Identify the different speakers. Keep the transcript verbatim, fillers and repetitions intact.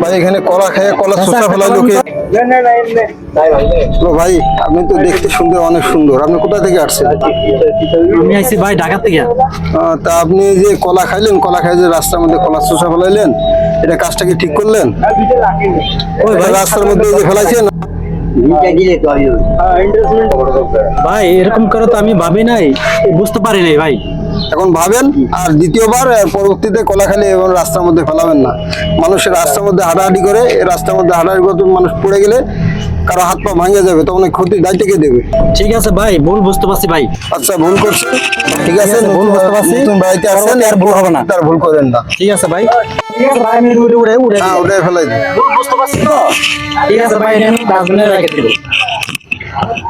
Speaker 1: ভাই এখানে কলা খেয়ে কলা চোষা ফেলায় লোকে। ও ভাই আপনি তো দেখতে সুন্দর, অনেক সুন্দর। আপনি কোথা থেকে আসছেন?
Speaker 2: আমি আইছি ভাই ঢাকা থেকে।
Speaker 1: আহ, তা আপনি যে কলা খাইলেন, কলা খাই যে রাস্তার মধ্যে কলা চোষা ফেলাইলেন, এটা কাজটা কি ঠিক করলেন?
Speaker 2: ওই ভাই
Speaker 1: রাস্তার মধ্যে যে ফেলাইছেন,
Speaker 2: ভাই এরকম করে তো আমি ভাবি নাই, বুঝতে পারি নাই ভাই।
Speaker 1: এখন ভাবেন আর দ্বিতীয়বার আহ, পরবর্তীতে কলা খালি এবং রাস্তার মধ্যে ফেলাবেন না। মানুষের রাস্তার মধ্যে হাঁটাহাঁটি করে, এই রাস্তার মধ্যে হাঁটাহাঁটি করতে মানুষ পড়ে গেলে কারো হাত পা ভাঙে যাবে, তখন এই ক্ষতির দায়িত্ব কে দেবে?
Speaker 2: ঠিক আছে ভাই, ভুল বুঝতে পারছি ভাই।
Speaker 1: আচ্ছা ভুল করছে, ঠিক আছে,
Speaker 2: আছে, ভুল বুঝতে পারছি।
Speaker 1: নতুন বাড়িতে আসেন,
Speaker 2: পরবর্তী আর ভুল হবে না।
Speaker 1: তার ভুল করেন না।
Speaker 2: ঠিক আছে ভাই, ঠিক আছে ভাই, আমি উড়ে উড়ে উড়ে
Speaker 1: হ্যাঁ ওটাই ফেলাই দিন।
Speaker 2: ভুল বুঝতে পারছি তো। ঠিক আছে ভাই, এটা আমি ডাস্টবিনে রেখে দিব।